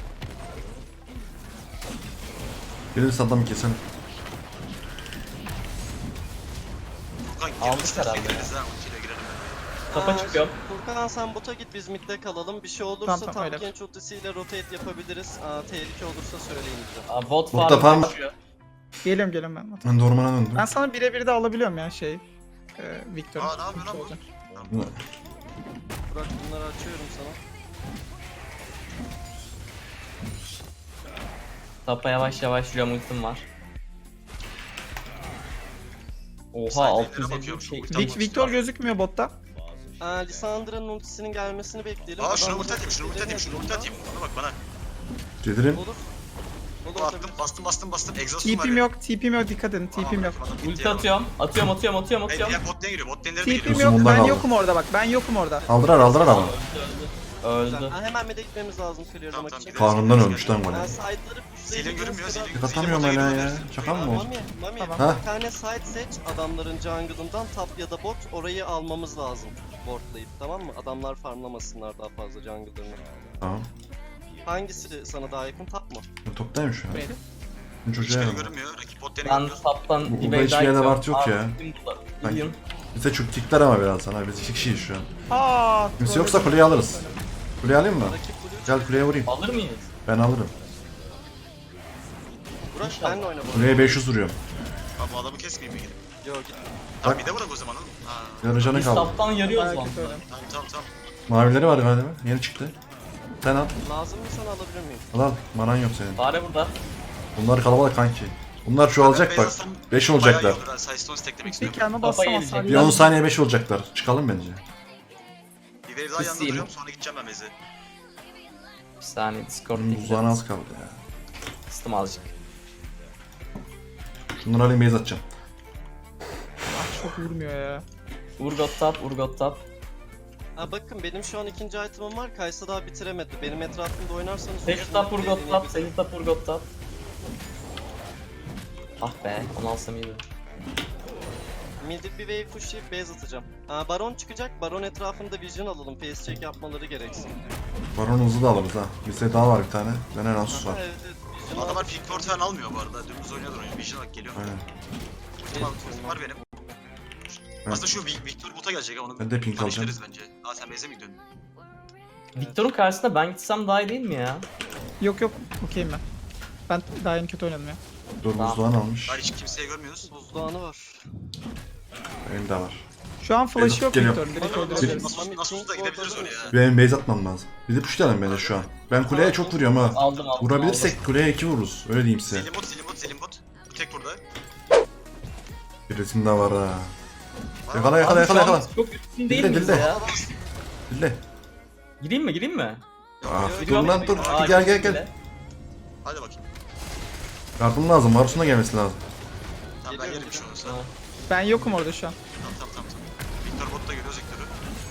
Speaker 3: Gelirse adamı keselim.
Speaker 1: Furkan
Speaker 5: Aldık
Speaker 1: girmişler,
Speaker 5: herhalde
Speaker 1: gireriz ha, ultiyle girelim.
Speaker 5: Tapa çıkıyorum.
Speaker 7: Furkan sen bota git biz midde kalalım. Bir şey olursa
Speaker 6: Tamam,
Speaker 7: tam
Speaker 6: öyle.
Speaker 7: genç ultisiyle rotate yapabiliriz. Tehlike olursa söyleyin bize.
Speaker 5: Aa, bot
Speaker 3: Botta
Speaker 5: farm
Speaker 3: farm-
Speaker 5: koşuyor.
Speaker 6: Geliyorum ben.
Speaker 3: Ben de ormana döndüm.
Speaker 6: Ben sana birebir de alabiliyorum ya Victor'u.
Speaker 1: Aa, ne yapıyor lan bu?
Speaker 6: Olacak.
Speaker 7: Burak bunları açıyorum sana.
Speaker 5: Tapa yavaş yürüyorum, ultim var. Oha
Speaker 1: Side'lere
Speaker 5: 650
Speaker 1: bakıyorum,
Speaker 5: şey.
Speaker 1: şu ulti-
Speaker 6: Victor gözükmüyor botta.
Speaker 7: Lissandra'nın ultisinin gelmesini bekleyelim.
Speaker 1: Aa şunu
Speaker 7: Adam
Speaker 1: ulti atayım. Bana bak bana.
Speaker 3: Cedirim.
Speaker 7: Olur.
Speaker 1: Bu attım, bastım. Exhaust'um var
Speaker 6: TP'm
Speaker 1: ya.
Speaker 6: yok, TP'm yok, dikkat edin, TP'm yok.
Speaker 1: Adam gitti
Speaker 5: Ulti
Speaker 1: ya.
Speaker 5: atıyorum. Atıyorum.
Speaker 1: Ya bot lane giriyor, bot lane'lere de
Speaker 6: TP'm
Speaker 1: giriyor.
Speaker 6: yok,
Speaker 3: Uzun
Speaker 6: ben
Speaker 3: bundan
Speaker 6: yokum orada bak, ben yokum orada.
Speaker 3: Aldırar ama.
Speaker 5: Öldü.
Speaker 7: Ha, hemen mid'e gitmemiz lazım clearlamak
Speaker 1: Tamam,
Speaker 7: için.
Speaker 1: tamam,
Speaker 3: Karnından ölmüş lan
Speaker 7: Ben
Speaker 3: gole.
Speaker 7: side'ları
Speaker 1: Zilin görünmüyor, Zilin.
Speaker 3: Atamıyorum hala ya. Şaka mı bu?
Speaker 7: Mami,
Speaker 6: Tamam.
Speaker 3: Ha?
Speaker 7: bir tane side seç adamların jungle'ından top ya da bot orayı almamız lazım. Wardlayıp tamam mı? Adamlar farmlamasınlar daha fazla jungle'larını.
Speaker 3: Tamam.
Speaker 7: Hangisi sana daha yakın top mu?
Speaker 3: Ben toptayım şu an.
Speaker 6: Benim.
Speaker 3: Ben çocuğa
Speaker 1: Hiçbiri
Speaker 3: yarım.
Speaker 1: görünmüyor, rakip bot lane'i
Speaker 5: Ben
Speaker 1: görmüyor.
Speaker 5: taptan
Speaker 3: Bu-
Speaker 5: bir
Speaker 3: burada hiçbir yerde ward yok ya. Ben-
Speaker 5: Billion.
Speaker 3: Bize çok tikler ama birazdan abi. Biz 2 kişiyiz şu an.
Speaker 6: Aa,
Speaker 3: Kimse yoksa kuleyi alırız. Kuleyi alayım mı?
Speaker 7: Rakip blue.
Speaker 3: Gel kuleye vurayım.
Speaker 5: Alır mıyız?
Speaker 3: Ben alırım.
Speaker 7: Burak benle oyna bu.
Speaker 3: Kuleye 500 vuruyorum.
Speaker 1: Abi bu adamı kesmeyeyim mi gidip?
Speaker 7: Yo git.
Speaker 1: Tamam bir de bırak o zaman oğlum. Ha,
Speaker 3: Yarı canı
Speaker 5: Biz
Speaker 3: kaldı.
Speaker 5: taptan yarıyoruz
Speaker 6: bayağı
Speaker 5: lan.
Speaker 6: kötü öyle.
Speaker 1: tamam.
Speaker 3: Mavileri var galiba. Yeni çıktı. Sen al.
Speaker 7: Lazım mı sana alabilir miyim?
Speaker 3: Al. Manan yok senin.
Speaker 5: Fare burada.
Speaker 3: Bunlar kalabalık kanki. Bunlar çoğalacak bak. 5 olacaklar.
Speaker 1: Sidestone stacklemek
Speaker 6: Bir
Speaker 1: istiyorum.
Speaker 6: kelime
Speaker 5: Kafa
Speaker 6: bassam
Speaker 5: gelecek.
Speaker 6: hasar
Speaker 3: Bir 10 saniye 5 olacaklar. Çıkalım bence.
Speaker 1: Bir wave daha yanında
Speaker 5: Kısayım.
Speaker 1: duruyorum sonra gideceğim ben base'e.
Speaker 5: Bir saniye Discord
Speaker 3: Bunun buzağına az kaldı ya.
Speaker 5: Kıstım azıcık.
Speaker 3: Şunları alayım base atacağım.
Speaker 6: çok vurmuyor ya.
Speaker 5: Urgot tap.
Speaker 7: Ha bakın benim şu an ikinci item'ım var. Kaysa daha bitiremedi. Benim etrafımda oynarsanız...
Speaker 5: Sage tap Urgot tap. Ah be, onu alsam iyiydi.
Speaker 7: Mid'e bir wave pushlayıp base atacağım. Ha Baron çıkacak. Baron etrafında vision alalım. Face check yapmaları gereksin.
Speaker 3: Baron hızlı da alırız ha. Bizde daha var bir tane. Benden Asus
Speaker 7: Ha,
Speaker 3: var.
Speaker 7: evet evet.
Speaker 1: Bu
Speaker 7: Vision
Speaker 1: adamlar pink ward falan almıyor bu arada. Dümdüz oynuyordur oyunu. Vision olarak geliyor.
Speaker 3: Aynen.
Speaker 1: Ultim var benim. Aslında şu Victor bota gelecek ha onu
Speaker 3: Ben de pink
Speaker 1: tanıştırırız bence. Aa sen base'e mi gidiyorsun?
Speaker 5: Victor'un karşısında ben gitsem daha iyi değil mi ya?
Speaker 6: Yok yok, okeyim ben. Ben daha yeni kötü oynadım ya.
Speaker 3: Dur buzluğunu almış.
Speaker 1: Hayır hiç kimseye görmüyoruz.
Speaker 7: Buzluğanı var.
Speaker 3: Benim de var.
Speaker 6: Şu an flash yok
Speaker 3: Geliyor.
Speaker 6: Victor'un, direkt
Speaker 7: Nasıl-
Speaker 6: öldürebiliriz.
Speaker 1: Nasıl da gidebiliriz oraya.
Speaker 3: Benim base atmam lazım. Bir de pushlayalım bence şu an. Ben kuleye çok vuruyorum ha.
Speaker 5: Aldım.
Speaker 3: Vurabilirsek kuleye 2 vururuz. Öyle diyeyim size.
Speaker 1: Selim bot. Bu tek burada.
Speaker 3: Bir resim de var ha.
Speaker 1: Var
Speaker 3: Yakala
Speaker 1: mı?
Speaker 3: yakala yakala yakala.
Speaker 5: Çok üstün değil
Speaker 3: Dilde,
Speaker 5: miyiz
Speaker 3: dilde.
Speaker 5: ya?
Speaker 3: Dille.
Speaker 5: Gireyim mi?
Speaker 3: Ah dur
Speaker 5: Giriyorum.
Speaker 3: lan dur.
Speaker 5: Aa,
Speaker 3: Gel gel
Speaker 5: girdim
Speaker 3: gel.
Speaker 5: bile.
Speaker 1: Hadi bakayım.
Speaker 3: Yardım lazım. Varus'un da gelmesi lazım.
Speaker 1: Tamam ben yerim bir şey olursa.
Speaker 5: Tamam.
Speaker 6: Ben yokum orada şu an.
Speaker 1: Tamam. Victor bot da görüyoruz Victor'u.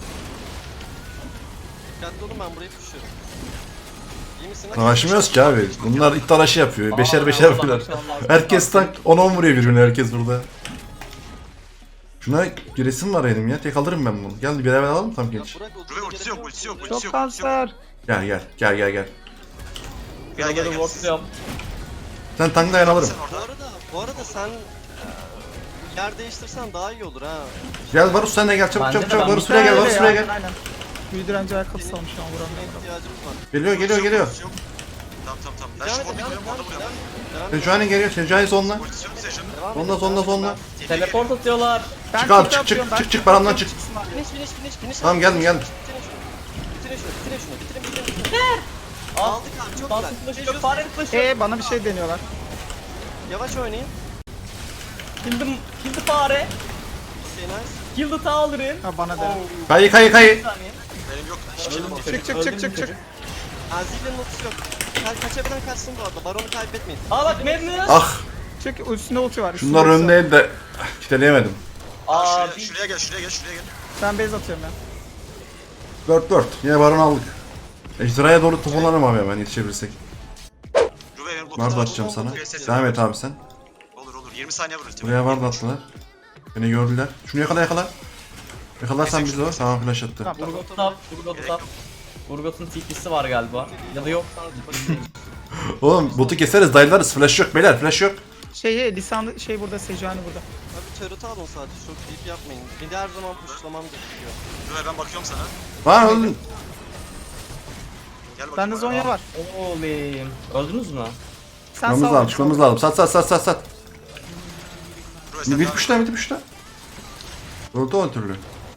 Speaker 7: Dikkatli olun ben burayı pushluyorum. İyi misin?
Speaker 3: Savaşmıyoruz ki abi. Bunlar it dalaşı yapıyor. Beşer
Speaker 5: Aa,
Speaker 3: beşer
Speaker 5: oradan
Speaker 3: vuruyorlar.
Speaker 5: bakmam lazım.
Speaker 3: Herkes tank 10-10 vuruyor birbirine herkes burada. Şuna bir resim var benim ya. Tek alırım ben bunu. Gel bir beraber alalım tam genç.
Speaker 1: Ruve ultisi yok.
Speaker 6: Çok kanser.
Speaker 3: Gel.
Speaker 1: Gel.
Speaker 5: Buraları wardluyorum.
Speaker 3: Sen tank dayan alırım.
Speaker 1: Sen orada.
Speaker 7: Bu arada sen yer değiştirsen daha iyi olur ha.
Speaker 3: Gel Varus sen de gel çabuk
Speaker 5: Bence de
Speaker 3: çabuk çabuk.
Speaker 5: ben
Speaker 3: Varus buraya gel. Varus buraya gel.
Speaker 6: Aynen. Büyü direnci ayakkabısı almış şu an vuramıyorum.
Speaker 7: İhtiyacımız var.
Speaker 3: Geliyor.
Speaker 1: Ultisi yok. Tamam. Ben
Speaker 7: Devam
Speaker 1: şu
Speaker 7: et,
Speaker 1: botu
Speaker 7: devam et,
Speaker 1: görüyorum orada vuruyorum.
Speaker 7: devam et.
Speaker 3: Sejuani geliyor. Sejuani sonla.
Speaker 1: Ultisi yok Sejun'un.
Speaker 7: Devam et,
Speaker 3: Sonla.
Speaker 5: Teleport atıyorlar.
Speaker 6: Ben
Speaker 3: Çık abi,
Speaker 6: TP
Speaker 3: çık,
Speaker 6: atıyorum,
Speaker 3: çık,
Speaker 6: ben
Speaker 3: çık, çık,
Speaker 6: TP
Speaker 3: paramdan
Speaker 6: atıyorum,
Speaker 3: çık.
Speaker 6: çıksınlar.
Speaker 7: Finish.
Speaker 3: Tamam geldim.
Speaker 7: Bitirin şunu. Bitirin. Aldık abi çok
Speaker 5: Bastım
Speaker 7: güzel.
Speaker 5: flash'ı yok. Farenin flash'ı.
Speaker 6: Bana bir şey deniyorlar.
Speaker 7: Yavaş oynayın.
Speaker 5: Kill the fare.
Speaker 7: Okay nice.
Speaker 5: Kill the tower'ın.
Speaker 6: Ha bana da.
Speaker 3: Kayı.
Speaker 5: Bir saniye.
Speaker 1: Benim yok. Hiçbir şeyim yok.
Speaker 6: Çık.
Speaker 7: Azil'in ultisi yok. Kaçabilen kaçsın bu arada. Baron'u kaybetmeyin.
Speaker 5: Aa bak Magnus.
Speaker 3: Ah.
Speaker 6: Çık, üstünde ulti var.
Speaker 3: Şunlar
Speaker 6: üstünde ulti var.
Speaker 3: önündeydi de kiteleyemedim.
Speaker 5: Aa
Speaker 1: Şuraya gel.
Speaker 6: Ben base atıyorum ya.
Speaker 3: 4-4. Yine baron aldık. Ejderhaya doğru toparlanalım abi hemen yetişebilirsek.
Speaker 1: Ruve benim
Speaker 3: Var da
Speaker 1: botu.
Speaker 3: atacağım sana.
Speaker 1: VSS.
Speaker 3: Devam et abi sen.
Speaker 1: Olur. 20 saniye vurur.
Speaker 3: Buraya var da attılar. Beni gördüler. Şunu yakala. Yakalarsan bizi o. Tamam flash attı.
Speaker 6: Tamam.
Speaker 5: Urgot tap. Urgot'un TP'si var galiba. Ya da yok.
Speaker 3: Oğlum botu keseriz dayılarız. Flash yok beyler flash yok.
Speaker 6: Lisan burada, Sejuani burada.
Speaker 7: Abi turret alın sadece. Çok deep yapmayın. Bir de her zaman pushlamam gerekiyor.
Speaker 1: Ruve ben bakıyorum sana.
Speaker 3: Var öldün.
Speaker 1: Gel bakayım.
Speaker 6: Bende Zonya var.
Speaker 5: Oğlum. Öldünüz mü?
Speaker 6: Sen
Speaker 3: Çıkmamız
Speaker 6: sağ ol.
Speaker 3: lazım çıkmamız lazım. Sat.
Speaker 1: Ruve sen
Speaker 3: Bir
Speaker 1: devam
Speaker 3: puşta
Speaker 1: et.
Speaker 3: bir puşta. Öldü o türlü.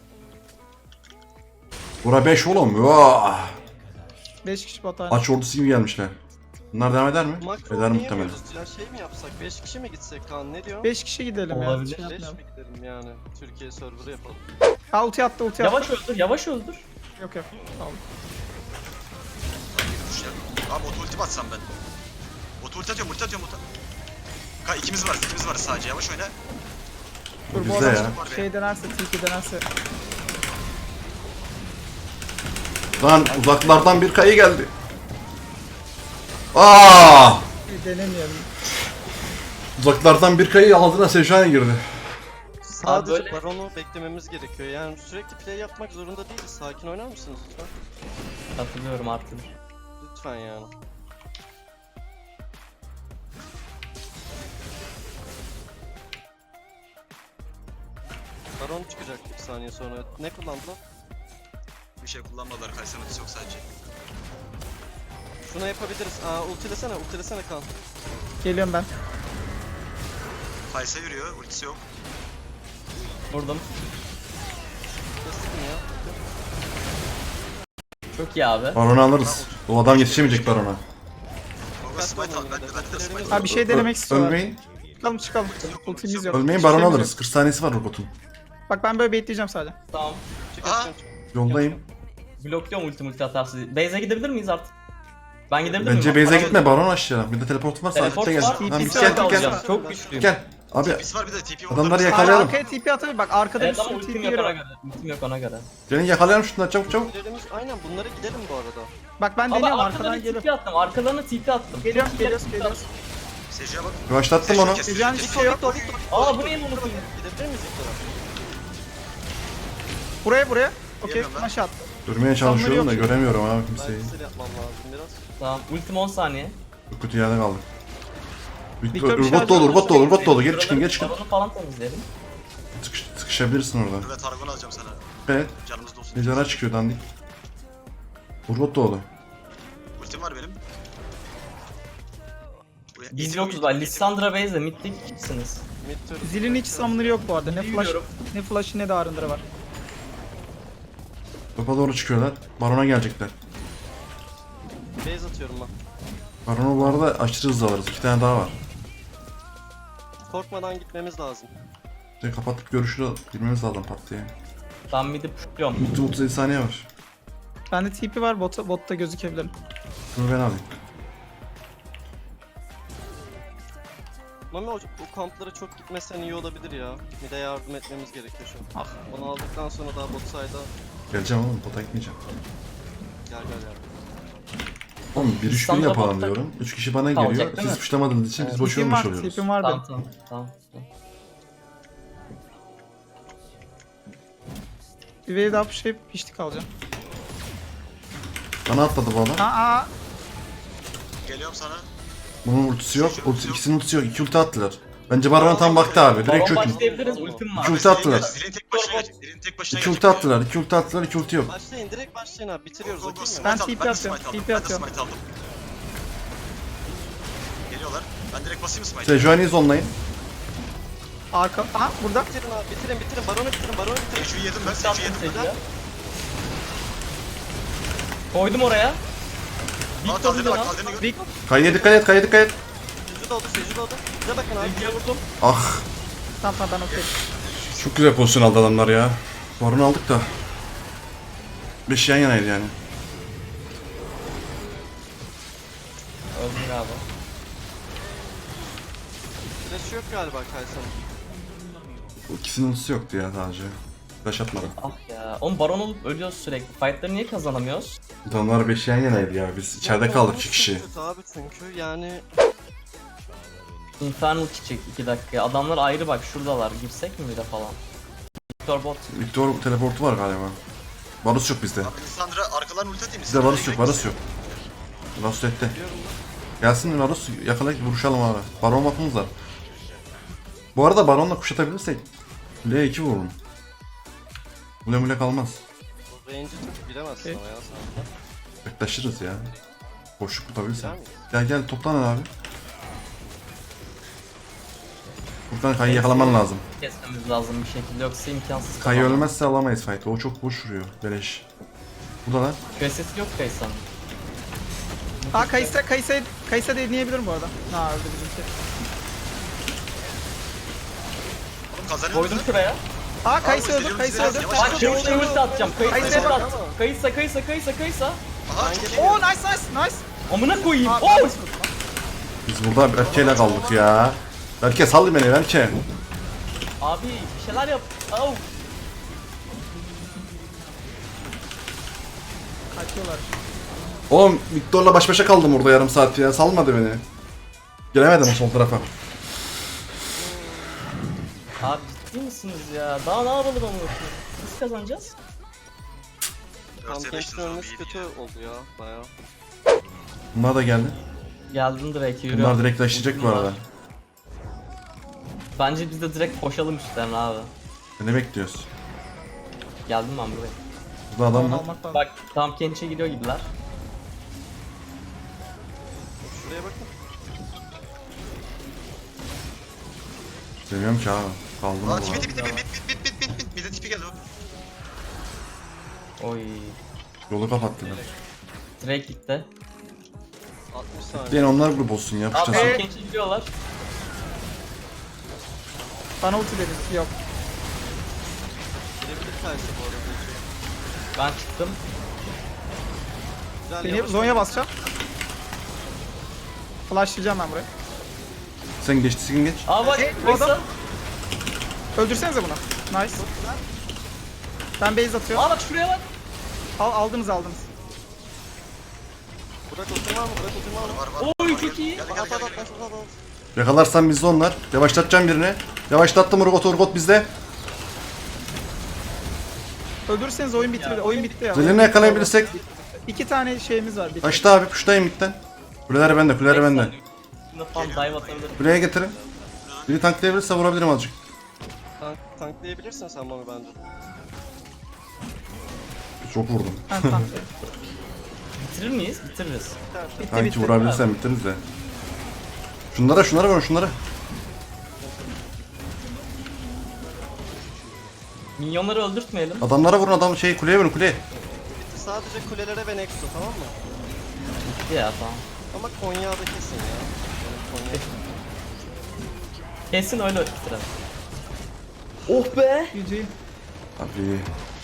Speaker 3: Bura 5 oğlum. Vaa.
Speaker 6: 5 kişi bot
Speaker 3: Aç ordusu gibi gelmişler. Bunlar devam eder mi?
Speaker 7: Makro
Speaker 3: Eder muhtemelen.
Speaker 7: oynayamıyoruz ya. Şey mi yapsak? 5 kişi mi gitsek Kaan? Ne diyor?
Speaker 6: 5 kişi gidelim ya.
Speaker 5: Olabilir.
Speaker 6: Şey
Speaker 7: 5
Speaker 6: yapmayalım.
Speaker 7: mi gidelim yani? Türkiye serverı yapalım.
Speaker 6: Ha ulti attı.
Speaker 5: Yavaş öldür.
Speaker 6: Yok. Sağ ol.
Speaker 1: Abi bot ulti batsam ben. Bot Ulti atıyorum ulti. İkimiz varız sadece, yavaş oyna.
Speaker 6: Dur bu
Speaker 3: Bizde
Speaker 6: adam
Speaker 3: ya.
Speaker 6: şey denerse, TP denerse.
Speaker 3: Lan uzaklardan bir kayı geldi. Aa!
Speaker 6: Denemeyelim.
Speaker 3: Uzaklardan bir kayı aldığına Sejuani girdi.
Speaker 7: Sadece
Speaker 5: böyle-
Speaker 7: Baron'u beklememiz gerekiyor. Yani sürekli play yapmak zorunda değiliz. Sakin oynar mısınız lütfen?
Speaker 5: Hatırlıyorum artık.
Speaker 7: Lütfen yani. Baron çıkacak bir saniye sonra. Ne kullandılar?
Speaker 1: Bir şey kullanmadılar, Kaysan ultisi yok sadece.
Speaker 7: Şunu yapabiliriz. Ultilesene kan.
Speaker 6: Geliyorum ben.
Speaker 1: Kaysa yürüyor, ultisi yok.
Speaker 5: Vurdum.
Speaker 7: Basın ya.
Speaker 5: Çok iyi abi.
Speaker 3: Baron'u alırız. O adam yetişemeyecek Baron'a.
Speaker 1: Gogo smite al, ben de smite
Speaker 6: Ha bir şey denemek istiyorlar.
Speaker 3: Ölmeyin.
Speaker 6: Çıkalım. Ultimiz yok.
Speaker 3: Ölmeyin
Speaker 6: Hiçbir
Speaker 3: Baron'u
Speaker 6: şeyimiz
Speaker 3: alırız.
Speaker 6: yok.
Speaker 3: 40 saniyesi var robotun.
Speaker 6: Bak ben böyle bekleyeceğim sadece.
Speaker 5: Tamam.
Speaker 7: Çık
Speaker 1: Aa!
Speaker 7: aşkım.
Speaker 3: Yoldayım.
Speaker 5: Blokluyorum ulti atarsız. Base'e gidebilir miyiz artık? Ben gidebilir miyim?
Speaker 3: Bence base'e
Speaker 5: Baron-
Speaker 3: gitme Baron aşağıya. Bir de teleport varsa
Speaker 5: Teleport
Speaker 3: Akit'te
Speaker 5: var.
Speaker 3: gel. Lan
Speaker 6: TP'si
Speaker 3: biz gel
Speaker 6: var,
Speaker 3: gel.
Speaker 5: Çok güçlüyüm.
Speaker 3: Gel. Abi
Speaker 1: TP'si var, bir de TP var.
Speaker 3: Adamları
Speaker 6: Abi
Speaker 3: yakalayalım.
Speaker 6: arkaya TP atabilir. Bak arkada bir
Speaker 5: Evet ama
Speaker 6: sürü
Speaker 5: ultim
Speaker 6: TP
Speaker 5: yok
Speaker 6: yeri
Speaker 5: ona
Speaker 6: var.
Speaker 5: göre. Ultim yok ona göre.
Speaker 3: gelin yakalayalım şunları çabuk.
Speaker 7: Ultilerimiz aynen bunlara gidelim bu arada.
Speaker 6: Bak ben
Speaker 5: Ama
Speaker 6: deniyorum
Speaker 5: arkadan
Speaker 6: arkadan
Speaker 5: TP
Speaker 6: geliyorum.
Speaker 5: attım. Arkalarına TP attım.
Speaker 6: Geliyoruz
Speaker 5: Çok iyi
Speaker 6: geliyoruz
Speaker 5: TP
Speaker 6: geliyoruz.
Speaker 1: Seju'ya bak.
Speaker 3: Yavaşlattım onu.
Speaker 6: Sejuani hiçbir şey yok.
Speaker 5: Aa bu neyin unuttum?
Speaker 7: Gidebilir miyiz ilk tarafa?
Speaker 6: Buraya. Okey.
Speaker 1: Yemiyorum ben.
Speaker 6: Maç attı.
Speaker 3: Durmaya çalışıyorum da
Speaker 6: yok.
Speaker 3: göremiyorum abi
Speaker 7: Ben
Speaker 3: kimseyi.
Speaker 7: bir yapmam lazım biraz.
Speaker 5: Tamam. Ultim 10 saniye.
Speaker 3: Çok kötü yerde kaldık.
Speaker 6: Victor bir şey
Speaker 3: Robot dolu. Geri çıkın.
Speaker 5: Baronu falan temizleyelim.
Speaker 3: Sıkışabilirsin orada.
Speaker 1: Evet, Targon alacağım sana.
Speaker 3: Evet.
Speaker 1: Canımız dolsun.
Speaker 3: Mezara çıkıyor dandik. Robot dolu.
Speaker 1: Ultim var benim. Buraya-
Speaker 5: Biz
Speaker 1: Eğitim
Speaker 5: yokuz
Speaker 1: yok,
Speaker 5: bak.
Speaker 1: eğitim
Speaker 5: Lissandra base'de mid'lik kimsiniz?
Speaker 7: Mid turret.
Speaker 6: Zilin hiç summoner'ı yok bu arada. Ne flash,
Speaker 5: Biliyorum.
Speaker 6: ne flash'ı ne de arındırı var.
Speaker 3: Topa doğru çıkıyorlar. Baron'a gelecekler.
Speaker 7: Base atıyorum ben.
Speaker 3: Baron'u bu arada aşırı hızlı alırız. 2 tane daha var.
Speaker 7: Korkmadan gitmemiz lazım.
Speaker 3: İşte kapatıp görüşü girmemiz lazım pat diye.
Speaker 5: Ben mid'i pushluyorum.
Speaker 3: 30 saniye var.
Speaker 6: Bende TP var. Botta gözükebilirim.
Speaker 3: Şunu ben alayım.
Speaker 7: Mami o kamplara çok gitmesen iyi olabilir ya. Mid'e yardım etmemiz gerekiyor şu an. Onu aldıktan sonra daha bot side'a
Speaker 3: Geleceğim oğlum, bota gitmeyeceğim.
Speaker 7: gel.
Speaker 3: Oğlum 1-3-1
Speaker 5: İstanbul'da
Speaker 3: yapalım
Speaker 5: botta
Speaker 3: diyorum. 3 kişi bana
Speaker 5: kalacak
Speaker 3: geliyor.
Speaker 5: değil
Speaker 3: Siz
Speaker 5: mi?
Speaker 3: puşlamadığınız için biz boş
Speaker 6: TP'm
Speaker 3: ölmüş
Speaker 6: var.
Speaker 3: oluyoruz.
Speaker 6: TP'm var benim.
Speaker 5: Tamam.
Speaker 6: Bir wave daha pushlayıp piştik alacağım.
Speaker 3: Bana atladı bu adam.
Speaker 6: Aa.
Speaker 1: Geliyorum sana.
Speaker 3: Bunun ultisi yok. İkisinin ultisi yok. 2 ulti attılar. Bence Baron'a tam vakti abi. Direkt
Speaker 5: Baron
Speaker 3: çökün.
Speaker 5: başlayabiliriz. Ultim var.
Speaker 3: İki ulti attılar.
Speaker 1: Zilin tek başına gelecek. Zilin tek başına
Speaker 3: 2 ulti attılar. 2 ulti attılar. 2 ulti yok.
Speaker 7: Başlayın direkt başlayın abi bitiriyoruz okey mi?
Speaker 6: Ben TP atıyorum, TP atıyorum.
Speaker 1: Smite aldım. Geliyorlar. Ben direkt basayım mı smite'e?
Speaker 3: Sejuani'yi zonlayın.
Speaker 6: Arka. Aha burada.
Speaker 7: Bitirin abi bitirin baronu bitirin.
Speaker 1: Seju'yu yedim ben.
Speaker 5: Ulti
Speaker 1: Seju'yu
Speaker 5: attım
Speaker 1: yedim.
Speaker 5: Seju'ya. Koydum oraya.
Speaker 1: Aa, kaldırdı bak, kaldırdı gör.
Speaker 6: Rick.
Speaker 3: Kayıya dikkat et. Kayıya dikkat et.
Speaker 7: Seju doldu. Bize bakın abi.
Speaker 5: Seju'ya vurdum.
Speaker 3: Ah.
Speaker 6: Tamam ben okey.
Speaker 3: Çok güzel pozisyon aldı adamlar ya. Baron'u aldık da. 5 yan yanaydı yani.
Speaker 5: Öldür abi.
Speaker 7: Flash yok galiba Kaysan'ın.
Speaker 3: Bu ikisinin ultisi yoktu ya sadece. Flash atmadı.
Speaker 5: Ah ya. Oğlum baron olup ölüyoruz sürekli. Fight'ları niye kazanamıyoruz?
Speaker 3: Adamlar 5 yan yanaydı ya. Biz içeride kaldık 2 kişi.
Speaker 7: Kötü abi çünkü yani
Speaker 5: Infernal çıkacak 2 dakika. Adamlar ayrı bak şuradalar. Girsek mi bir de falan? Victor bot.
Speaker 3: Victor teleportu var galiba. Varus yok bizde.
Speaker 1: Abi Lissandra arkadan ulti atayım mı?
Speaker 3: Bizde Varus yok. Varus yok. Varus ette. Gelsin Varus yakalayıp vuruşalım abi. Baron bakımız var. Bu arada Baron'la kuşatabilirsek L2 vururum. Mule kalmaz.
Speaker 7: range'i çok bilemezsin
Speaker 6: Okey.
Speaker 7: ama ya sen.
Speaker 3: Yaklaşırız ya. Boşluk tutabilirsen.
Speaker 7: Güzel miyiz?
Speaker 3: Gel toplanın abi. Buradan Kay'ı yakalaman lazım.
Speaker 5: Kesmemiz lazım bir şekilde yoksa imkansız.
Speaker 3: Kay
Speaker 5: kazanmak.
Speaker 3: ölmezse alamayız fight'ı. O çok boş vuruyor. Beleş. Bu da lan.
Speaker 5: Kösesi yok Kaysan'ın.
Speaker 6: Aa Kaysa deneyebilirim bu arada. Ha öldü bizimki.
Speaker 1: Oğlum kazanıyor
Speaker 5: Koydum
Speaker 1: musun?
Speaker 5: şuraya.
Speaker 6: Aa Kaysa
Speaker 1: Abi,
Speaker 6: öldü. Kaysa
Speaker 1: yavaş,
Speaker 6: öldü.
Speaker 1: yavaş,
Speaker 5: Bak
Speaker 1: yavaş,
Speaker 5: şimdi
Speaker 1: yavaş,
Speaker 5: ulti
Speaker 1: yavaş.
Speaker 5: atacağım.
Speaker 6: Kaysa bak.
Speaker 5: Kaysa.
Speaker 1: Aha
Speaker 7: Ben
Speaker 1: çok iyi.
Speaker 7: geliyorum.
Speaker 6: Oo nice.
Speaker 5: Amına koyayım.
Speaker 6: Aa,
Speaker 5: Oh!
Speaker 3: Biz burada Berke'yle kaldık ya. Berke sal beni Berke.
Speaker 5: Abi bir şeyler yap. Au.
Speaker 6: Kaçıyorlar.
Speaker 3: Oğlum Victor'la baş başa kaldım orada yarım saat ya. Salmadı beni. Giremedim o sol tarafa.
Speaker 5: Abi ciddi misiniz ya? Daha ne yapalım ama? Biz kazanacağız.
Speaker 7: Tam
Speaker 1: 4'e 5'tiniz
Speaker 7: gençlerin
Speaker 1: oğlum
Speaker 7: ölmesi
Speaker 1: iyi
Speaker 7: kötü
Speaker 1: ya.
Speaker 7: oldu ya bayağı.
Speaker 3: Bunlar da geldi.
Speaker 5: Geldim direkt yürüyorum.
Speaker 3: Bunlar direkt taşıyacak bu arada.
Speaker 5: Bence biz de direkt koşalım üstlerine abi.
Speaker 3: Ne bekliyoruz?
Speaker 5: Geldim ben buraya.
Speaker 3: Burada adam var.
Speaker 6: Almak lazım.
Speaker 5: Bak tam Kenç'e gidiyor gibiler.
Speaker 7: Şuraya bakın.
Speaker 3: Demiyorum ki abi. Kaldım
Speaker 1: Aa
Speaker 3: burada.
Speaker 1: bit. Bir de tipi geldi o.
Speaker 5: Oy.
Speaker 3: Yolu kapattılar.
Speaker 5: Direkt gitti.
Speaker 7: 60 saniye.
Speaker 3: Diyen onlar grup olsun ya.
Speaker 5: Abi
Speaker 3: Puştasın.
Speaker 5: tam Kenç'e gidiyorlar.
Speaker 6: Bana ulti dediniz. Yok.
Speaker 7: Girebilir Kaysa bu arada.
Speaker 5: Ben çıktım.
Speaker 7: Güzel
Speaker 6: Beni
Speaker 7: yavaş.
Speaker 6: Zonya basacağım. Flashlayacağım ben buraya.
Speaker 3: Sen geçtisin geç.
Speaker 5: Aa bak
Speaker 6: bu adam-
Speaker 5: Veysel.
Speaker 6: Öldürsenize bunu. Nice. Ben base atıyorum.
Speaker 5: Aa bak şuraya bak.
Speaker 6: Aldınız.
Speaker 7: Burak oturma mı? Burak oturma mı?
Speaker 1: Var.
Speaker 5: Oy çok iyi.
Speaker 1: Gel.
Speaker 7: At at at at.
Speaker 3: Yakalarsan bizde onlar. Yavaşlatacağım birini. Yavaşlattım Urgot bizde.
Speaker 6: Öldürürseniz oyun bitti. Oyun bitti ya.
Speaker 3: Zilini yakalayabilirsek.
Speaker 6: 2 tane şeyimiz var.
Speaker 3: Kaçtı abi puştayım bitten. Kuleleri bende kuleleri bende.
Speaker 5: Şimdi falan dive atabilirim.
Speaker 3: Kuleye getirin. Biri tanklayabilirse vurabilirim azıcık.
Speaker 7: Tanklayabilirsin sen bana bence.
Speaker 3: Çok vurdum.
Speaker 6: Ben tamam.
Speaker 5: Bitirir miyiz? Bitiririz.
Speaker 3: Sanki vurabilirsen bitiririz de. Şunlara vurun şunlara.
Speaker 5: Minyonları öldürtmeyelim.
Speaker 3: Adamlara vurun kuleye vurun kuleye.
Speaker 7: Bitti sadece kulelere ve Nexo tamam mı?
Speaker 5: Bitti ya tamam.
Speaker 7: Ama Konya'da kesin ya. Yani Konya.
Speaker 5: Kesin öyle bitirelim. Oh be.
Speaker 6: GG.
Speaker 3: Abi.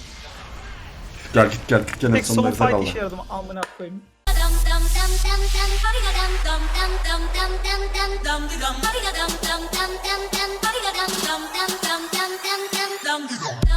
Speaker 3: Gel gene
Speaker 6: Tek son
Speaker 3: sonunda bize
Speaker 6: fight
Speaker 3: kaldı.
Speaker 6: işe yaradı. Amına koyayım.
Speaker 8: dum dum dum dum dum body dum dum dum dum dum dum dum dum body dum dum dum dum dum body dum dum dum dum dum dum dum dum